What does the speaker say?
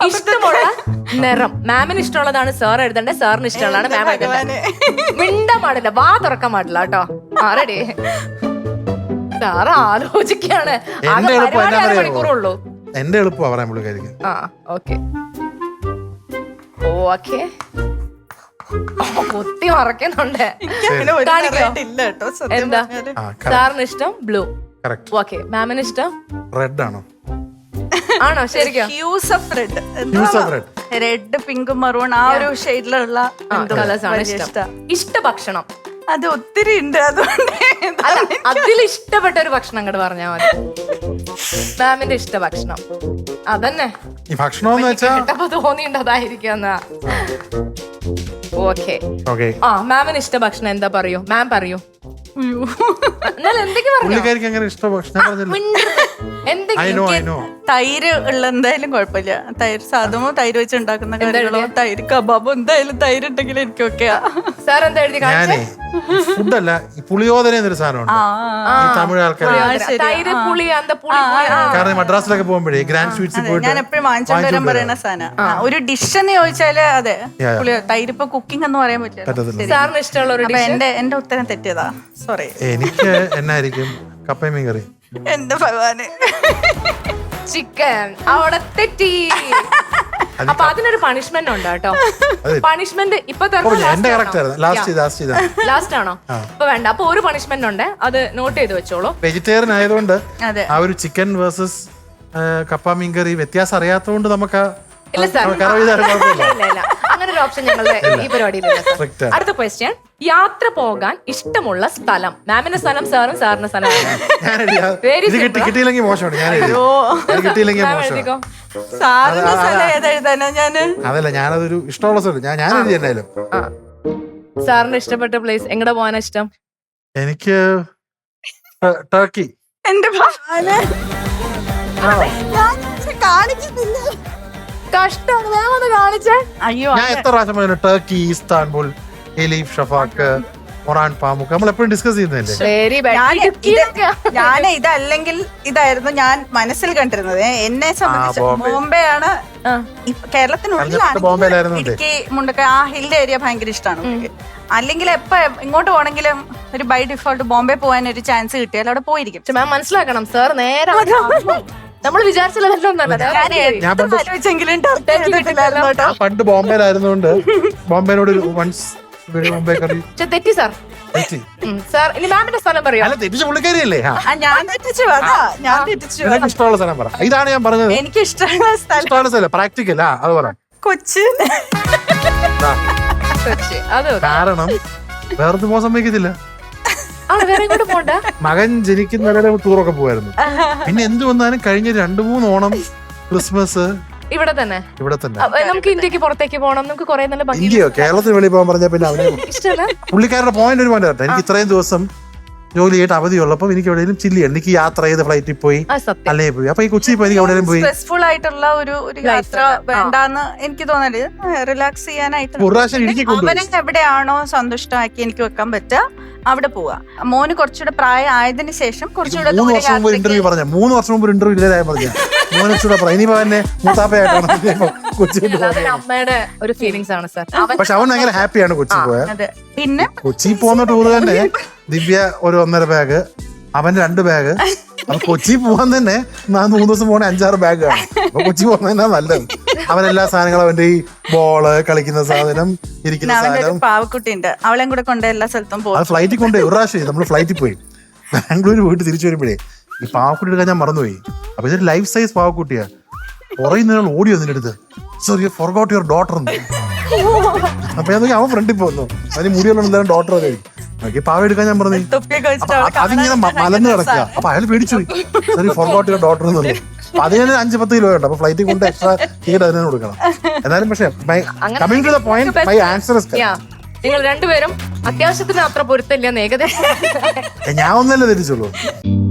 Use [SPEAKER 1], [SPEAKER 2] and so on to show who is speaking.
[SPEAKER 1] ഇഷ്ടമുള്ള നിറം. മാമിന് ഇഷ്ടമുള്ളതാണ് സാർ എഴുതണ്ടേ, സാറിന് ഇഷ്ടമുള്ളതാണ് മാം എഴുതണ്ടേ. മിണ്ടാൻ പാടില്ല, വാ തുറക്കാൻ പാടില്ല കേട്ടോ. റെഡി? സാറ് ആലോചിക്കാണ്. മണിക്കൂറുള്ളൂ.
[SPEAKER 2] എന്റെ എളുപ്പമാണ് പറയാൻ പുള്ളിക്കാരിക്ക്.
[SPEAKER 1] Okay okay. കുത്തി മറക്കുന്നുണ്ട്. എന്താ സാറിന് ഇഷ്ടം? ബ്ലൂ. ഓക്കെ. മാമിന് ഇഷ്ടം
[SPEAKER 2] റെഡ് ആണോ?
[SPEAKER 1] ആണോ? ശരിക്കും
[SPEAKER 3] റെഡ്, പിങ്ക്, മറൂൺ ആ ഒരു ഷെയ്ഡിലുള്ള
[SPEAKER 1] കളേഴ്സാണ് ഇഷ്ടം. ഇഷ്ടഭക്ഷണം
[SPEAKER 3] അത് ഒത്തിരി ഉണ്ട്. അതുകൊണ്ട്
[SPEAKER 1] അതിൽ ഇഷ്ടപ്പെട്ട ഒരു ഭക്ഷണം അങ്ങോട്ട് പറഞ്ഞാൽ മതി. മാമിന്റെ ഇഷ്ടഭക്ഷണം അതന്നെ.
[SPEAKER 2] ഈ ഭക്ഷണം
[SPEAKER 1] കേട്ടപ്പോ തോന്നിണ്ട് അതായിരിക്കും. ഓക്കെ. മാമിന് ഇഷ്ടഭക്ഷണം എന്താ പറയൂ? മാം പറയൂ.
[SPEAKER 3] തൈര് ഉള്ള എന്തായാലും കുഴപ്പമില്ല. തൈര് സാധനമോ തൈര് വെച്ച് ഉണ്ടാക്കുന്ന കാര്യങ്ങളോ, തൈര് കബാബോ എന്തായാലും തൈര് ഉണ്ടെങ്കിൽ എനിക്കൊക്കെ.
[SPEAKER 1] സാർ എന്താ എഴുതി?
[SPEAKER 2] ഫുഡല്ല, പുളിയോദന എന്നൊരു സാധനമുണ്ട് തമിഴ് ആൾക്കാർ. കാരണം മദ്രാസിലൊക്കെ പോകുമ്പോഴേ ഗ്രാൻഡ് സ്വീറ്റ്സ് പോയിട്ട്
[SPEAKER 3] ഞാൻ എപ്പോഴും വാങ്ങിച്ചോണ്ട് വരാൻ പറയുന്ന സാധനം ഒരു ഡിഷ് എന്ന് ചോദിച്ചാല് അതെ തൈര്. ഇപ്പൊ കുക്കിംഗ് എന്ന് പറയാൻ പറ്റില്ല.
[SPEAKER 1] സാറിന് ഇഷ്ടമുള്ള ഒരു
[SPEAKER 3] എന്റെ ഉത്തരം തെറ്റിയതാ, സോറി.
[SPEAKER 2] എനിക്ക് എന്നായിരിക്കും? കപ്പയും മീൻ കറി.
[SPEAKER 3] എന്റെ ഭഗവാന്,
[SPEAKER 1] ചിക്കൻ. അവിടെ തെറ്റി. അപ്പൊ അതിനൊരു പണിഷ്മെന്റ് ഉണ്ട് കേട്ടോ. പണിഷ്മെന്റ് ഇപ്പൊ ലാസ്റ്റ് ആണോ? ഇപ്പൊ വേണ്ട. അപ്പൊ ഒരു പണിഷ്മെന്റ് ഉണ്ട്, അത് നോട്ട് ചെയ്ത് വെച്ചോളൂ.
[SPEAKER 2] വെജിറ്റേറിയൻ ആയതുകൊണ്ട് ആ ഒരു ചിക്കൻ വേഴ്സസ് കപ്പ മീൻ കറി വ്യത്യാസം അറിയാത്തതുകൊണ്ട് നമുക്ക്
[SPEAKER 1] അങ്ങനെ ഒരു ഓപ്ഷൻ ഞങ്ങളുടെ ഈ പരിപാടിയിലില്ല. അടുത്ത ക്വസ്റ്റ്യൻ. യാത്ര പോകാൻ ഇഷ്ടമുള്ള സ്ഥലം. മാമിന്റെ സ്ഥലം സാറും, സാറിന്റെ സ്ഥലം.
[SPEAKER 2] കിട്ടിയില്ലെങ്കിൽ മോശമാണ്. അതല്ല, ഞാനതൊരു ഇഷ്ടമുള്ള സ്ഥലം ഞാൻ എഴുതി എന്നാലും.
[SPEAKER 1] സാറിന് ഇഷ്ടപ്പെട്ട പ്ലേസ് എങ്ങടെ പോകാനാ ഇഷ്ടം?
[SPEAKER 2] എനിക്ക് ടർക്കി.
[SPEAKER 3] എന്റെ കാണിക്കുന്നില്ല,
[SPEAKER 1] കഷ്ടമാണ്. മാം ഒന്ന് കാണിച്ചേ.
[SPEAKER 3] അയ്യോ,
[SPEAKER 2] ഞാൻ എത്ര പ്രാവശ്യം പറഞ്ഞു ടർക്കി, ഇസ്താൻബുൾ, എലീഫ്, ഷഫാക്ക്, മൊറാൻ, പാമുക്ക് നമ്മളെപ്പോഴും ഡിസ്കസ് ചെയ്യുന്നതല്ലേ.
[SPEAKER 3] ഞാൻ ഇതല്ലെങ്കിൽ ഇതായിരുന്നു ഞാൻ മനസ്സിൽ കണ്ടിരുന്നത്. എന്നെ സംബന്ധിച്ച് ബോംബെ ആണ്. കേരളത്തിനുള്ളിലാണ് ഇടുക്കി, മുണ്ടക്കൈ ആ ഹിൽ ഏരിയ ഭയങ്കര ഇഷ്ടമാണ്. അല്ലെങ്കിൽ എപ്പോ ഇങ്ങോട്ട് പോണെങ്കിലും ഒരു ബൈ ഡിഫോൾട്ട് ബോംബെ പോകാൻ ഒരു ചാൻസ് കിട്ടിയാൽ അവിടെ പോയിരിക്കും.
[SPEAKER 1] മാം മനസ്സിലാക്കണം, സാർ നേരെ നമ്മൾ
[SPEAKER 2] പണ്ട് ബോംബെയിലായിരുന്നോണ്ട് ബോംബെനോട്
[SPEAKER 1] തെറ്റി സാർ. സാർ ഇനി മാമിന്റെ സ്ഥലം പറയോ?
[SPEAKER 2] തെറ്റിച്ച പുള്ളിക്കാരിയല്ലേ? ഇഷ്ടമുള്ള സ്ഥലം പറ. ഇതാണ് ഞാൻ പറഞ്ഞത്.
[SPEAKER 3] എനിക്ക് ഇഷ്ടമുള്ള സ്ഥലം
[SPEAKER 2] പ്രാക്ടിക്കൽ. അത് പറ.
[SPEAKER 3] കൊച്ചി.
[SPEAKER 2] കാരണം വേറെ പോകാൻ സമ്മതിക്കത്തില്ല. മകൻ ജനിക്കുന്നവരെ ടൂറൊക്കെ പോവായിരുന്നു. പിന്നെ എന്ത് വന്നാലും കഴിഞ്ഞ 2-3 ഓണം, ക്രിസ്മസ്
[SPEAKER 1] ഇവിടെ തന്നെ. നമുക്ക് ഇന്ത്യക്ക് പുറത്തേക്ക് പോകണം. നമുക്ക് കുറെ നല്ല
[SPEAKER 2] ഇന്ത്യയോ കേരളത്തിന് വെളിയിൽ പോകാൻ പറഞ്ഞാൽ പിന്നെ അവനെ പുള്ളിക്കാരുടെ പോയിന്റ് ഒരു പോയിന്റ് കേട്ടോ. എനിക്ക് ഇത്രയും ദിവസം ജോലി ചെയ്തിട്ട് അവധിയുള്ളപ്പോൾ എനിക്ക് എവിടെയെങ്കിലും ചില്ല് ചെയ്യണം. എനിക്ക് യാത്ര ചെയ്ത് ഫ്ലൈറ്റിൽ പോയി അല്ലേ പോയി. അപ്പൊ ഈ കൊച്ചിയിൽ പോയി എനിക്ക് എവിടെയും പോയി
[SPEAKER 3] സ്ട്രെസ്ഫുൾ ആയിട്ടുള്ള ഒരു യാത്ര വേണ്ടാന്ന് എനിക്ക് തോന്നല്. റിലാക്സ് ചെയ്യാനായിട്ട് അവനെ എവിടെയാണോ സന്തുഷ്ടമാക്കി എനിക്ക് വെക്കാൻ പറ്റുക അവിടെ പോവാ. മോന് കുറച്ചുകൂടെ പ്രായം ആയതിനു ശേഷം കുറച്ചുകൂടെ
[SPEAKER 2] 3 വർഷം മുമ്പ് ഇന്റർവ്യൂ പറഞ്ഞ 3 വർഷം മുമ്പ് ഇന്റർവ്യൂ ഇല്ലാതായ പറഞ്ഞ മോനൂടെ പറയാം. ഇനിയിപ്പോ എന്നെ മൂത്താപ്പയായിട്ടാണ് കൊച്ചി.
[SPEAKER 1] അമ്മയുടെ ഒരു ഫീലിംഗ്സ് ആണ് സാർ.
[SPEAKER 2] പക്ഷെ അവൻ ഭയങ്കര ഹാപ്പിയാണ് കൊച്ചി പോയാൽ.
[SPEAKER 3] പിന്നെ
[SPEAKER 2] കൊച്ചി പോകുന്ന ടൂർ തന്നെ ദിവ്യ ഒരു 1.5 ബാഗ്, അവന്റെ 2 ബാഗ്. അപ്പൊ കൊച്ചി പോകാൻ തന്നെ 3 ദിവസം പോകണേ 5-6 ബാഗ് ആണ്. അപ്പൊ കൊച്ചി പോകുന്നതന്നെ നല്ലത്. അവനെല്ലാ സാധനങ്ങളും അവന്റെ ഈ ബോള്, കളിക്കുന്ന സാധനം, ഇരിക്കുന്ന സാധനം.
[SPEAKER 3] പാവക്കുട്ടിയുണ്ട്, അവളെയും കൂടെ കൊണ്ട് എല്ലാ സ്ഥലത്തും പോകും.
[SPEAKER 2] അത് ഫ്ലൈറ്റിൽ കൊണ്ട് ഒരു പ്രാവശ്യം നമ്മള് ഫ്ലൈറ്റിൽ പോയി ബാംഗ്ലൂർ പോയിട്ട് തിരിച്ചു വരുമ്പോഴേ ഈ പാവക്കുട്ടി എടുക്കാൻ ഞാൻ മറന്നുപോയി. അപ്പൊ ഇതൊരു ലൈഫ് സൈസ് പാവക്കുട്ടിയാ. കുറയുന്ന ഓടി വന്നിട്ട് അടുത്ത് sorry you forgot your daughter. അപ്പൊ അവൻ ഫ്രണ്ടിൽ പോന്നു. അതിന് മുടിയുള്ള എന്തായാലും ഡോട്ടർ കഴിക്കും. പാവ എടുക്കാൻ ഞാൻ പറഞ്ഞു. അതിങ്ങനെ മലന്ന് കിടക്കുക. അപ്പൊ അയാൾ പേടിച്ചു പോയി. സോറി ഫോർഗോട്ട് യുവർ ഡോട്ടർ എന്നുള്ളത്. അതിന് 5-10 കിലോ ഉണ്ട്. അപ്പൊ ഫ്ലൈറ്റിൽ കൊണ്ട് എക്സ്ട്രാ ടിക്കറ്റ് അതിന് കൊടുക്കണം. എന്നാലും പക്ഷേ coming to the point my answer is
[SPEAKER 1] നിങ്ങൾ രണ്ടുപേരും അത്യാവശ്യത്തിന് അത്ര പൊരുത്തല്ല ഏകദേശം.
[SPEAKER 2] ഞാൻ ഒന്നല്ലേ തെറ്റിച്ചുള്ളൂ.